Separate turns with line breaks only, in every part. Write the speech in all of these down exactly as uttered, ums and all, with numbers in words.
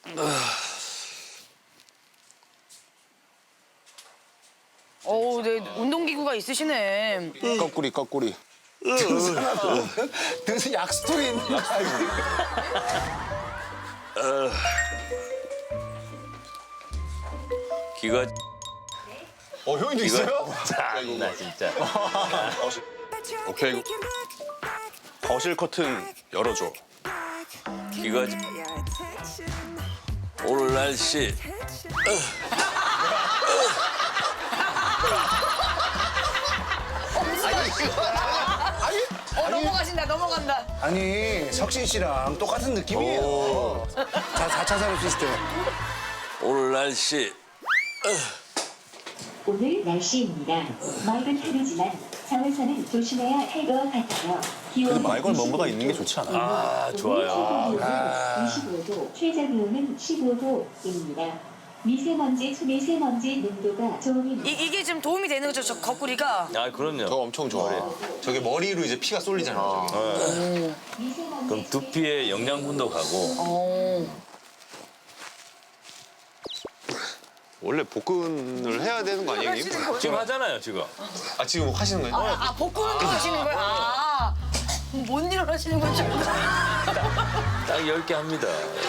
어우, 네, 운동기구가 있으시네.
거꾸리 거꾸리.
등수 약스토리 있는 거
기가
어, 형님도 있어요?
나 진짜.
오케이. 거실 커튼 열어줘.
기가 오늘 날씨
어, 넘어가신다, 넘어간다.
아니, 석신 씨랑 똑같은 느낌이에요. 자, 사 차 산업 시스템.
오늘 날씨
오늘 날씨입니다. 맑은 하루지만 자외선은 조심해야 할 것 같아요.
그래도 맑은 뭔가가 있는 게 좋지 않아?
아 좋아요.
이십오 도, 최저 기온은 십오 도입니다. 미세먼지, 초미세먼지 농도가 좋은
이, 이게 좀 도움이 되는 거죠, 저 거꾸리가?
아 그럼요.
저 엄청 좋아해.
저게 머리로 이제 피가 쏠리잖아요. 저게.
미세먼지
그럼 두피에 영양분도 가고
어.
원래 복근을 해야 되는 거 아니에요, 형님?
지금 하잖아요 지금.
아, 지금 하시는 거예요?
아, 아 복근 운동하시는 거예요? 아, 뭔 일을 하시는 건지.
딱 열 개 합니다.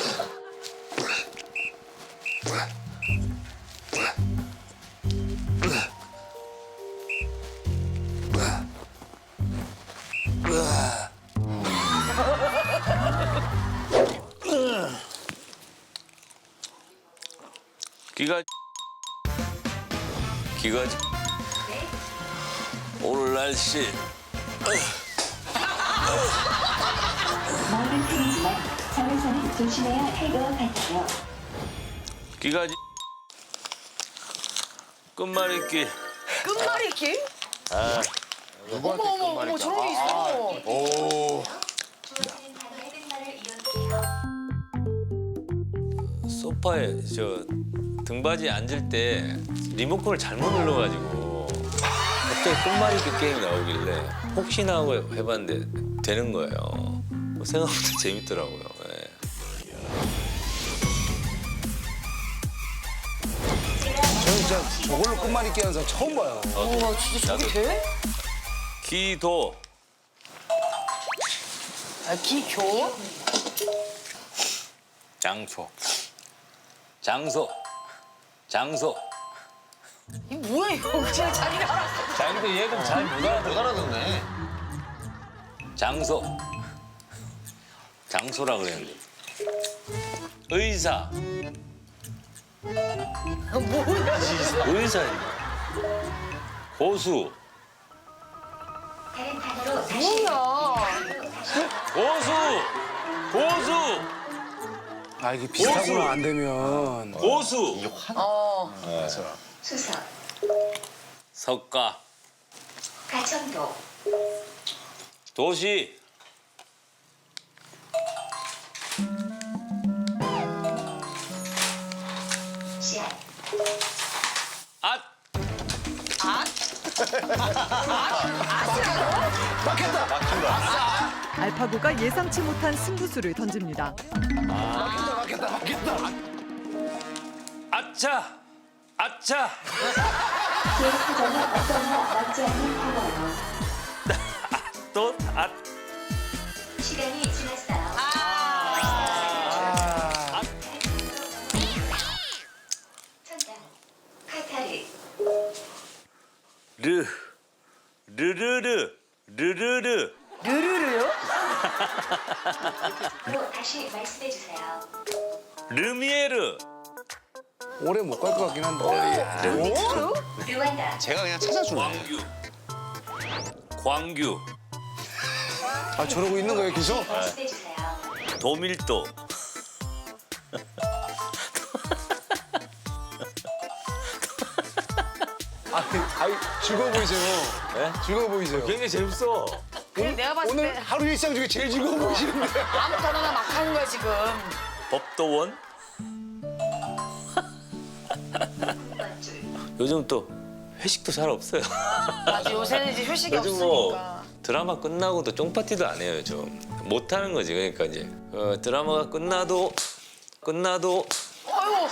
기가 기가 오늘 날씨
맑은 하루지만 자외선은 조심해야 할 것 같아요.
기가 끝말잇기
끝말잇기?
아
어머, 어머, 어머, 저런 게 있어.
오.
소파에 저 등받이 앉을 때 리모컨을 잘못 눌러가지고 갑자기 끝말잇기 게임이 나오길래 혹시나 하고 해봤는데 되는 거예요. 뭐 생각보다 재밌더라고요. 예.
저는 진짜 저걸로 끝말잇기 하는 사람 처음 봐요.
우와, 진짜 저게 돼?
기도
아, 기교?
장소 장소 장소
이 뭐야, 이거. 그냥 자기가 알았어.
자 근데 얘는 잘 못 알아듣
알아듣네.
장소 장소라 그랬는데 의사
뭐야,
의사 고수
다른 단어로 다시
뭐야.
고수 고수
아, 이게 비슷하구나, 안 되면.
고수
어.
수석,
석가
가천도,
도시
씨앗,
앗
알파고가 예상치 못한 승부수를 던집니다.
아차 아차
계획 표정은 어떠나 맞지 않는 단어로
또앗
시간이 지났어요. 천장, 카타르,
르 르르르 르르르
르르르요?
또 다시 말씀해 주세요.
르미에르
오래 못 갈 것 같긴 한데.
뭐요?
르완다,
제가 그냥 찾아주네.
광규 광규
아, 저러고 있는 거예요, 계속?
말씀해 주세요.
도밀도
아, 아이, 즐거워 보이세요.
네?
즐거워 보이세요.
굉장히 재밌어.
그래, 내가 봤을
오늘
때
하루 일상 중에 제일 즐거워 보이시는데.
아무 단어나 막 하는 거야, 지금.
법도원
원줄,
요즘 또 회식도 잘 없어요.
맞아, 요새는 이제 휴식이
요즘 뭐
없으니까.
드라마 끝나고도 쫑파티도 안 해요 좀. 못 하는 거지. 그러니까 이제 어, 드라마가 끝나도 끝나도
아이고.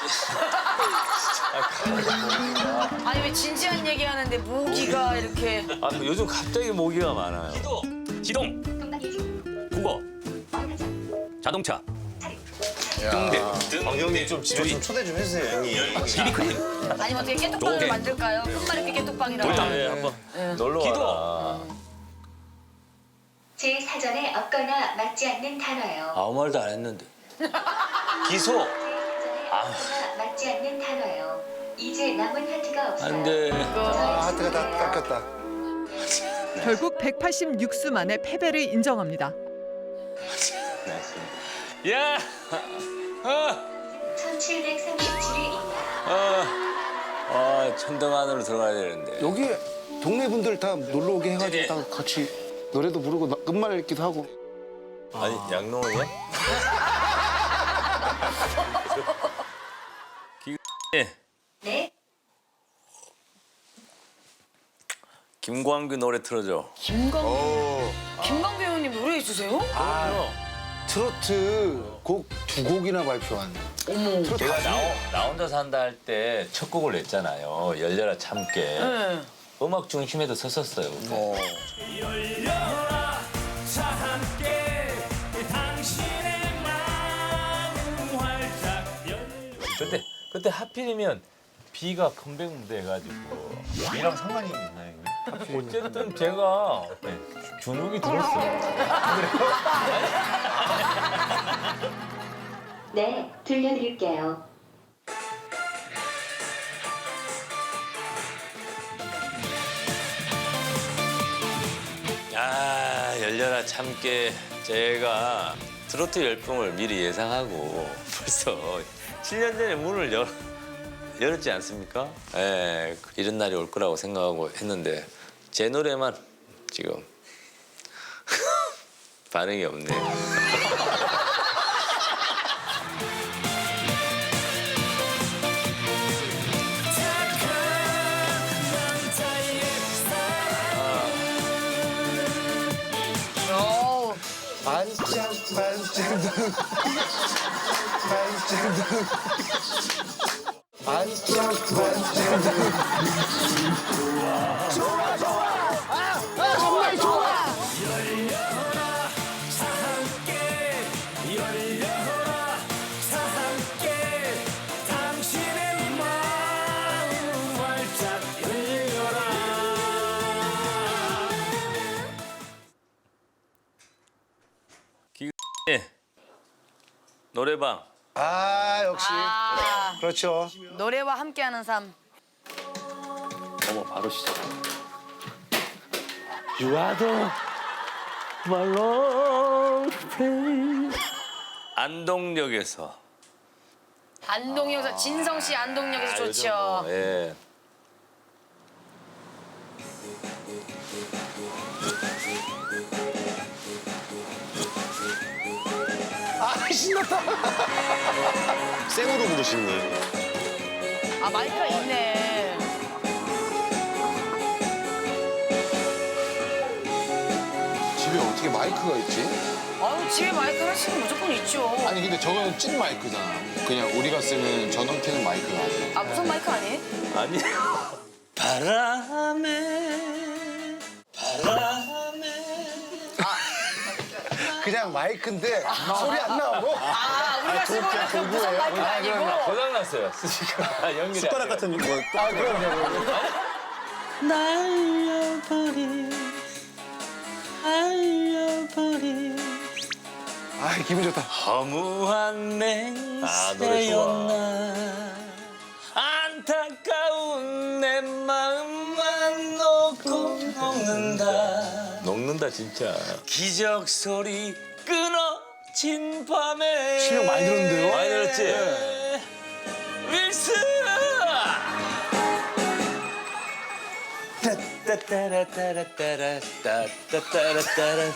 아니 왜 진지한 얘기하는데 모기가 이렇게.
아, 요즘 갑자기 모기가 많아요.
지동, 국어, 자동차, 등대,
방 형님 좀 집에 좀 초대 좀 해주세요, 형님.
비비크림,
아니면 어떻게 깨톡방을
노게.
만들까요? 끝말잇기 깨톡방이라고.
돌담.
네, 한번 놀러
기도.
와라.
제 사전에 없거나 맞지 않는 단어요.
아무 말도 안 했는데. 기소.
제 사전에 없거나 맞지 않는 단어요. 이제 남은 하트가 없어요.
안 돼.
아, 하트가 다 깎였다.
결국 백팔십육 수 만에 패배를 인정합니다.
야! 아!
천칠백삼십칠위입니다.
아! 아, 천등 안으로 들어가야 되는데.
여기 동네 분들 다 놀러 오게 해가지고 다 같이 노래도 부르고 나- 끝말 읽기도 하고.
아니, 양농이야? 기...
네,
김광규 노래 틀어줘.
김광 김광배 형님 노래해 주세요?
트로트 곡 두 곡이나 발표한.
어머.
제가 나, 나 혼자 산다 할 때 첫 곡을 냈잖아요. 열려라 참깨.
네.
음악 중심에도 섰었어요. 그때.
어.
그때 그때 하필이면 비가 컴백 무대 해가지고
이랑 상관이 있나요, 형님?
어쨌든 제가 네, 주눅이 들었어요.
네, 들려드릴게요.
아 열려라 참깨. 제가 트로트 열풍을 미리 예상하고 벌써 칠 년 전에 문을 열, 열었지 않습니까? 예, 이런 날이 올 거라고 생각하고 했는데 제 노래만 지금 반응이 없네요.
어우.
반짝 반짝 눈 반짝 눈 반짝 반짝 눈
예, 노래방.
아 역시
아,
그렇죠.
노래와 함께하는 삶.
어머 바로 시작. You are the my long friend. 안동역에서.
안동역에서 진성 씨 안동역에서
아,
좋죠.
요즘 뭐, 예.
아 신났다.
생으로 부르시는 거예요?
아 마이크가 있네.
집에 어떻게 마이크가 있지?
아유 집에 마이크 하나씩은 무조건 있죠.
아니 근데 저거는 찐 마이크잖아. 그냥 우리가 쓰는 전원 켜는 마이크가 아니야.
아 무슨 마이크 아니에요?
아니. 바람에 바람에.
그냥 마이크인데 소리 안 나오고.
아 우리가 쓰고 있는 그 무선 마이크가 아니고.
고장 났어요. 스피커가 연결이.
숟가락 같은 거.
아 그럼요.
날려버린 날려버린
아 기분 좋다.
허무한 맹세였나. 안타까운 내 마음만 놓고 녹는다. 녹는다 진짜. 기적 소리 끊어진 밤에.
실력 많이 들었는데요?
많이 들었지? 윌슨! 따따따라따라따라 따따따라따라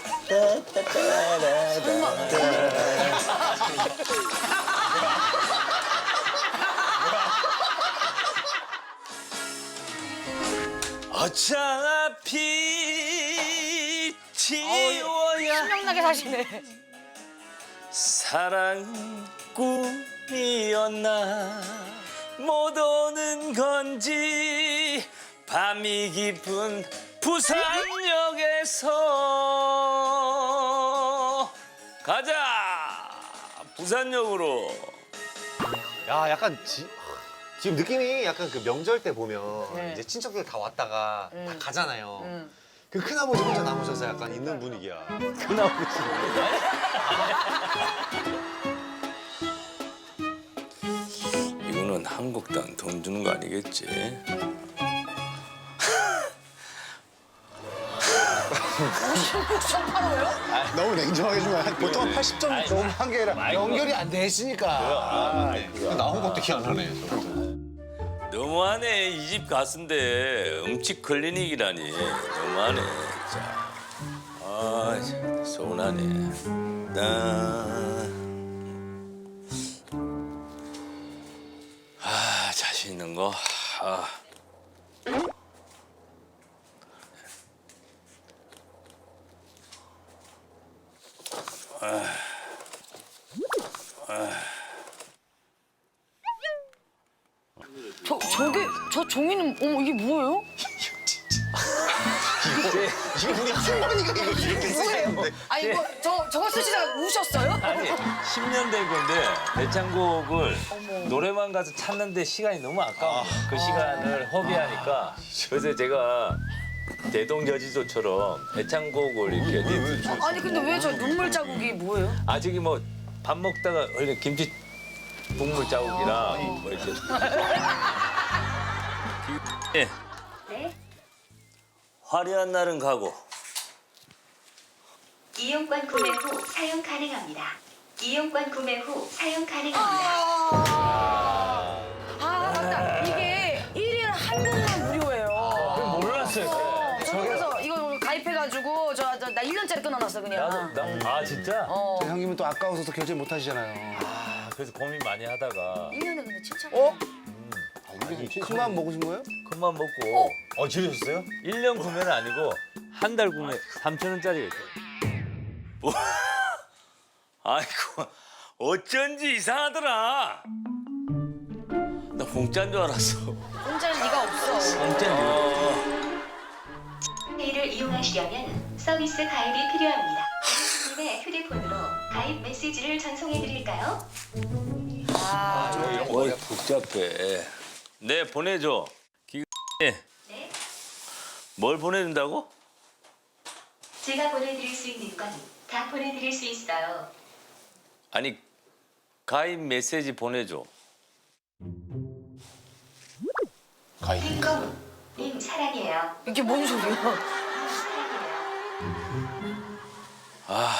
어차피 지워야
신명나게 사시네.
사랑 꿈 피었나 못 오는 건지 밤이 깊은 부산역에서 가자 부산역으로.
야, 약간 지, 지금 느낌이 약간 그 명절 때 보면
네.
이제 친척들 다 왔다가 다
음.
가잖아요.
음.
그 큰아버지 혼자 남으셔서 약간 있는 분위기야.
이거는 한국당 돈 주는 거 아니겠지?
너무 냉정하게 주면 보통 한 팔십 점 너무 한 게 아니라
마이크가-
연결이 안 됐으니까.
나온 것도 기 안 하네.
너무하네. 이 집 가수인데 음식 클리닉이라니. 너무하네 진짜. 아 참, 서운하네. 나... 아 자신 있는 거. 아.
저 저게 저 종이는 어머 이게 뭐예요?
이거 우리 할머니가 이거 이렇게 쓰시는데.
아니 이거 저 저거 쓰시다가 우셨어요?
아니 십 년 된 건데 대창곡을 노래방 가서 찾는데 시간이 너무 아까워. 그 시간을 허비하니까 그래서 제가 대동여지조처럼 대창곡을 이렇게
아니 근데 왜 저 눈물 자국이 뭐예요?
아 저기 뭐 밥 먹다가 원래 김치 국물 자국이랑 뭐 이렇게 예
네,
화려한 날은 가고
이용권 구매 후 사용 가능합니다. 이용권 구매 후 사용 가능합니다.
아, 아 맞다. 이게 일 일 한국만 무료예요.
몰랐어요.
어, 저 그래서 이거 가입해가지고 저 나 일 년짜리 끊어놨어 그냥.
나도 나, 아 진짜?
어.
저 형님은 또 아까워서 또 결제 못 하시잖아요.
아 그래서 고민 많이 하다가
일 년에 근데 칠천.
어? 큰 마음 먹으신 거예요?
큰맘 먹고
어, 지르셨어요?
일 년 구매는 아니고 한 달 구매 삼천 원짜리가 있어요. 뭐? 아이고 어쩐지 이상하더라. 나 공짜인 줄 알았어.
공짜는 네가 없어.
공짜인 줄 알았어.
페이를 이용하시려면 서비스 가입이 필요합니다. 님의 휴대폰으로 가입 메시지를 전송해 드릴까요?
아,
어이 복잡해. 네 보내줘. 기...
네,
뭘 보내준다고?
제가 보내드릴 수 있는 건 다 보내드릴 수 있어요.
아니 가입 메시지 보내줘.
핑검, 님 사랑해요.
이게 뭔 소리야?
사랑해요.
아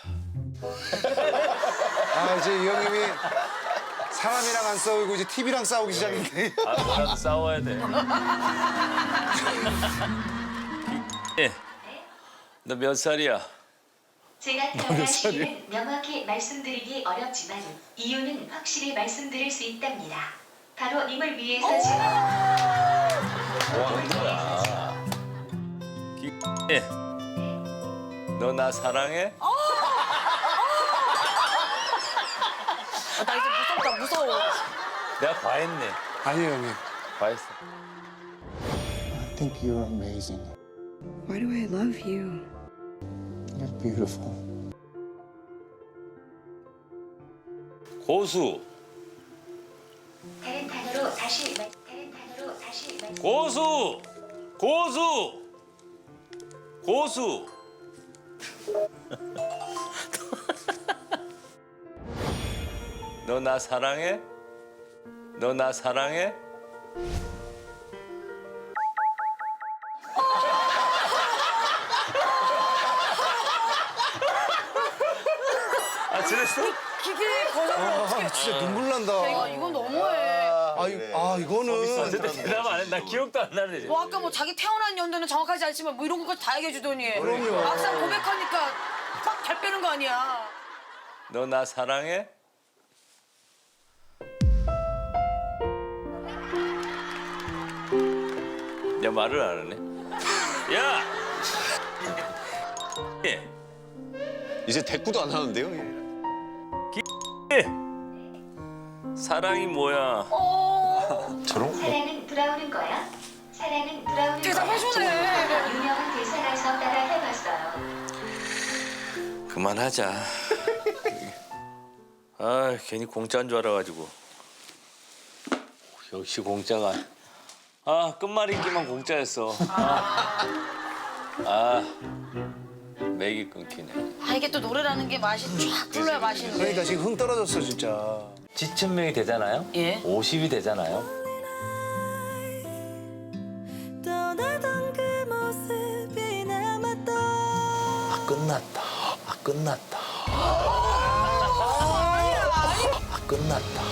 아 이제 이 형님이 사람이랑 안 싸우고 이제 티비랑 싸우기 시작했네.
아, 뭐라도 싸워야 돼. 예. 너 몇 살이야?
제가 태어난 시기는 명확히 말씀드리기 어렵지만 이유는 확실히 말씀드릴 수 있답니다. 바로 님을 위해서죠.
예. 너 나 사랑해?
아, 나 이제 무섭다 무서워.
내가 과했네.
아니에요 형님.
과했어.
I think you're amazing.
Why do I love you?
You're beautiful.
고수.
다른 단어로 다시 말 다른 단어로 다시 말
고수. 고수. 고수. 너 나 사랑해? 너 나 사랑해? 아, 그랬어?
기계 거절을 어떻게?
아, 진짜 눈물 난다.
야, 이거 이건 너무해.
아, 이, 아 이거는
근데 대답 안 해. 나 기억도 안 나네.
뭐 아까 뭐 자기 태어난 연도는 정확하지 않지만 뭐 이런 것까지 다 얘기해 주더니.
그럼요.
막상 고백하니까 막 발 빼는 거 아니야.
너 나 사랑해? 야 말을 안 하네. 야! 예.
이제 대꾸도 안 하는데요?
예. 사랑이 뭐야?
저런 거?
사랑은 돌아오는 거야. 사랑은 돌아오는
대답해주네.
거야. 유명한 대사라서 따라 해봤어요.
그만하자. 아 괜히 공짜인 줄 알아가지고. 역시 공짜가. 아 끝말잇기만 공짜였어. 아, 아 맥이 끊기네.
아 이게 또 노래라는 게 맛이 쫙 불러야 맛있는데.
그러니까 지금 흥 떨어졌어 진짜.
지천 명이 되잖아요.
예.
오십이 되잖아요. 아 끝났다. 아 끝났다. 아 끝났다.